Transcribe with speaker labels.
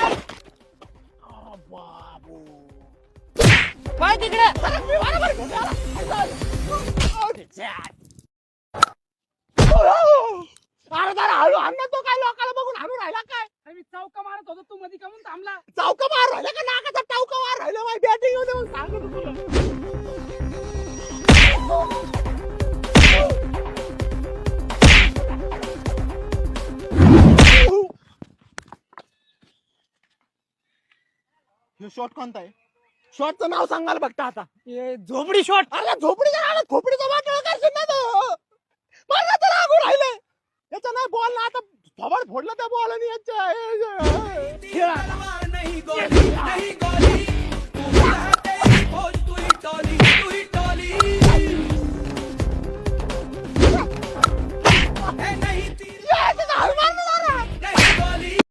Speaker 1: बाबू
Speaker 2: पाय तिकडे.
Speaker 1: अरे जरा हळू हाण ना, तो काय लोकांना बघून हाणून राहिला काय?
Speaker 2: मी चौका मारत होतो, तू मध्ये कामून थांबला.
Speaker 1: चौका मार राहिला का नाकाचा टावका मार राहिला? माझी बॅटिंग होते मग सांगतो तुला. शॉट कोणता आहे? शॉटचं नाव सांगाल बघता आता.
Speaker 2: झोपडी शॉट.
Speaker 1: अरे झोपडीच्या नावात खोपडीचा वाटळ करशील ना तो. मला तर लागू राहिलंय. याचा नाही बॉल ना आता थोबड फोडलं त्या बॉल आणि याच्या